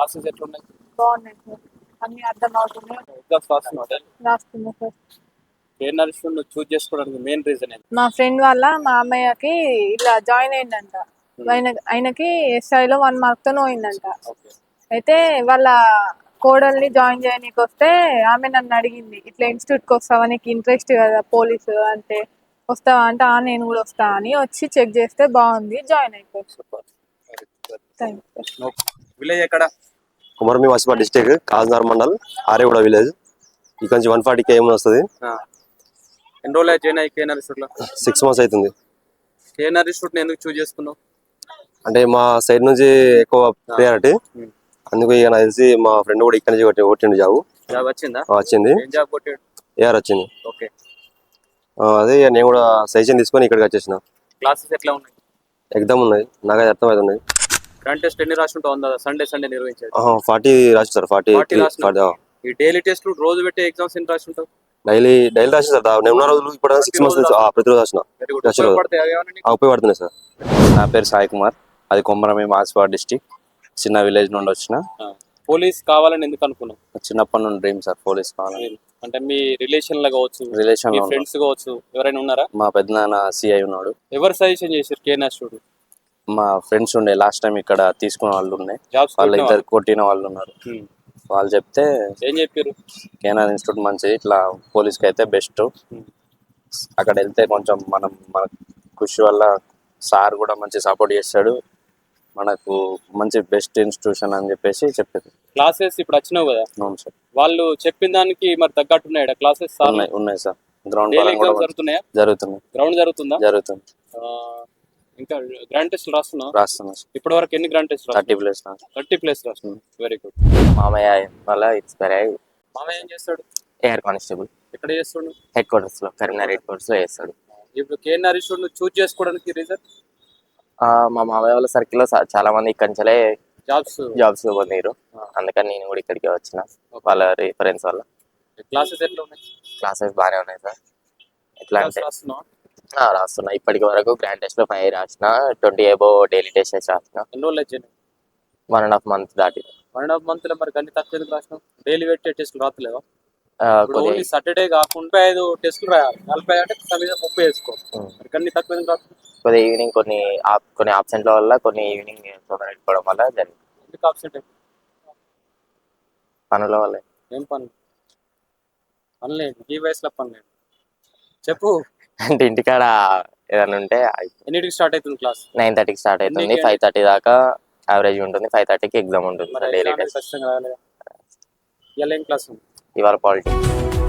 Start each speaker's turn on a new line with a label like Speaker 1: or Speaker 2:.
Speaker 1: Classes ఎట్లున్నాయి?
Speaker 2: బాగున్నాయి sir. అన్ని అర్థం అవుతున్నాయి.
Speaker 1: ఎగ్జామ్స్ రాస్తున్నావు?
Speaker 2: రాస్తున్నా సార్.
Speaker 1: ఏ నర్సింగ్ నువ్వు చూస్ చేసుకోవడానికి మెయిన్ రీజన్ ఏంటి?
Speaker 2: మా ఫ్రెండ్ వాళ్ళ మా అమ్మయ్యకి ఇలా జాయిన్ అయిందంట. ఆయనకి ఎస్ఐలో 1 మార్క్ తో పోయిందంట.
Speaker 1: ఓకే.
Speaker 2: అయితే వాళ్ళ కోడల్ని జాయిన్ చేయనీకి వస్తే ఆమె నన్ను అడిగింది, ఇట్లా ఇన్స్టిట్యూట్కి వస్తావా, నీకు ఇంట్రెస్ట్ కదా పోలీసు అంటే, వస్తావా అంటే నేను కూడా వస్తా అని వచ్చి చెక్ చేస్తే బాగుంది, జాయిన్ అయిపోయి.
Speaker 1: సూపర్.
Speaker 2: థ్యాంక్స్.
Speaker 1: విలేజ్ ఎక్కడ?
Speaker 3: కుమరమి వాసిపా డిస్ట్రిక్ట్ కాజ్నార్ మండల్ ఆరేగూడ విలేజ్. ఇక్కడ నుంచి 140 km వస్తుంది.
Speaker 1: ఎన్ని రోజులు జాయిన్ అయ్యి కేఎన్ఆర్ ఇన్స్టిట్యూట్లో?
Speaker 3: 6 months అవుతుంది.
Speaker 1: కేఎన్ఆర్ ఇన్స్టిట్యూట్ ఎందుకు చూస్ చేసుకున్నావు?
Speaker 3: అంటే మా సైడ్ నుంచి ఎక్కువ ప్రియారిటీ, అందుకు ఇక నాకు తెలిసి మా ఫ్రెండ్ కూడా ఇక్కడ నుంచి కొట్టిండు జాబ్.
Speaker 1: జాబ్ వచ్చిందా?
Speaker 3: వచ్చింది.
Speaker 1: ఏం జాబ్ కొట్టాడు?
Speaker 3: ఏఆర్ వచ్చింది.
Speaker 1: ఓకే.
Speaker 3: అదే ఇక నేను కూడా సజెషన్ తీసుకొని ఇక్కడికి వచ్చేసిన.
Speaker 1: క్లాసెస్ ఎట్లా ఉన్నాయి?
Speaker 3: ఎగ్జామ్ ఉన్నాయి, నాకైతే అర్థమవుతుంది.
Speaker 1: గ్రాండ్ టెస్ట్ ఎన్ని రాసి ఉంటావు? సండే నిర్వహించారు.
Speaker 3: 40 రాసి సార్. 40
Speaker 1: ఈ డైలీ టెస్ట్ రోజు పెట్టే ఎగ్జామ్స్ ఎన్ని రాసి ఉంటావు?
Speaker 3: డైలీ రాసి సార్. నేను ఉన్న రోజులు ఇప్పుడు 6 months ప్రతిరోజు రాసిన. ఉపయోగపడుతున్నాయి సార్.
Speaker 4: నా పేరు సాయి కుమార్, అది కొమరమి మాసిపా డిస్టిక్, చిన్న విలేజ్ నుండి వచ్చిన.
Speaker 1: పోలీస్ కావాలని ఎందుకు అనుకున్నావు?
Speaker 4: చిన్నప్పటి నుండి డ్రీమ్ సార్ పోలీస్ కావాలని.
Speaker 1: అంటే మీ రిలేషన్ లో కావచ్చు,
Speaker 4: రిలేషన్
Speaker 1: ఫ్రెండ్స్ కావచ్చు, ఎవరైనా ఉన్నారా?
Speaker 4: మా పెద్దనాన్న సిఐ ఉన్నాడు.
Speaker 1: ఎవరు సజెషన్ చేశారు కేఎన్ఆర్ స్టూడెంట్?
Speaker 4: మా ఫ్రెండ్స్ ఉండే, లాస్ట్ టైం ఇక్కడ తీసుకున్న వాళ్ళు ఉన్నాయి,
Speaker 1: జాబ్స్
Speaker 4: వాళ్ళు ఇద్దరు కొట్టిన వాళ్ళు ఉన్నారు. వాళ్ళు చెప్తే
Speaker 1: ఏం చెప్పారు?
Speaker 4: కేఎన్ఆర్ ఇన్స్టిట్యూట్ మంచిది, ఇట్లా పోలీస్కి అయితే బెస్ట్, అక్కడ వెళ్తే కొంచెం మన కృషి వల్ల సార్ కూడా మంచి సపోర్ట్ చేస్తాడు, మనకు మంచి బెస్ట్ ఇన్స్టిట్యూషన్ అని చెప్పేసి చెప్పారు.
Speaker 1: క్లాసెస్ ఇప్పుడు వచ్చినావు కదా?
Speaker 4: అవును సార్.
Speaker 1: వాళ్ళు చెప్పిన దానికి మరి తగ్గట్టున్నాయా క్లాసెస్?
Speaker 4: ఉన్నాయి సార్. గ్రౌండ్
Speaker 1: జరుగుతున్నాయా?
Speaker 4: జరుగుతుంది.
Speaker 1: గ్రౌండ్ జరుగుతుందా?
Speaker 4: జరుగుతుంది.
Speaker 1: ఇంకా గ్రాండ్ టెస్ట్ రాస్తున్నా?
Speaker 4: రాస్తున్నా.
Speaker 1: ఇప్పటి వరకు ఎన్ని గ్రాండ్ టెస్ట్?
Speaker 4: 30+
Speaker 1: రాస్తున్నా. Very good.
Speaker 5: మామయ్య వల్ల ఇన్స్పైర్ అయ్యి
Speaker 1: మామయ్య ఏం చేస్తాడు?
Speaker 5: ఎయిర్ కానిస్టేబుల్
Speaker 1: ఎక్కడ చేస్తాడు?
Speaker 5: హెడ్ క్వార్టర్స్ లో, కరీంనగర్ హెడ్ క్వార్టర్స్ లో చేస్తాడు.
Speaker 1: ఇప్పుడు కేఎన్ఆర్ ఇన్స్టిట్యూట్ చూస్ చేసుకోవడానికి రీజన్?
Speaker 5: మా మామయ్య వాళ్ళ సర్కిల్ లో చాలా మంది ఇక్కడి నుంచే జాబ్స్ పొందారు, అందుకని నేను కూడా ఇక్కడికి వచ్చిన వాళ్ళ రిఫరెన్స్ వల్ల.
Speaker 1: క్లాసెస్ ఎట్లా ఉన్నాయి?
Speaker 5: క్లాసెస్ బాగానే ఉన్నాయి సార్. ఎట్లా అంటే రాస్తున్నా. ఇప్పటికి వరకు గ్రాండ్ టెస్ట్ లో 5 రాసిన, 20 above డైలీ టెస్ట్ రాసిన.
Speaker 1: ఎన్ని రోజులు వచ్చాయి?
Speaker 5: 1.5 month దాటి.
Speaker 1: 1.5 month లో మరి అన్ని తక్కువ ఎందుకు రాసినావు? డైలీ పెట్టే టెస్టులు రాతలేవా? ఓన్లీ సాటర్డే కాకుండా 5 టెస్టులు రాయాలి. 40 అంటే 30 వేసుకో. మరి అన్ని తక్కువ ఎందుకు రాస్తున్నావు?
Speaker 5: కొద్దిగా ఈవినింగ్ కొన్ని ఆబ్సెంట్ల వల్ల, కొన్ని ఈవినింగ్ తొందరగా వెళ్ళిపోవడం వల్ల జరిగింది.
Speaker 1: ఎందుకు ఆబ్సెంట్?
Speaker 5: పనుల వల్ల.
Speaker 1: ఏం పనులేదు? ఈ వయసులో పనులేదు చెప్పు.
Speaker 5: అంటే ఇంటికాడ ఏదైనా ఉంటే.
Speaker 1: ఎన్నిటికి స్టార్ట్ అవుతుంది క్లాస్?
Speaker 5: 9:30కి స్టార్ట్ అవుతుంది, 5:30 దాకా యావరేజ్ ఉంటుంది. 5:30కి ఎగ్జామ్ ఉంటుంది.
Speaker 1: ఇవాళ ఏం క్లాస్ ఉంది?
Speaker 5: ఇవాళ పాలిటిక్స్.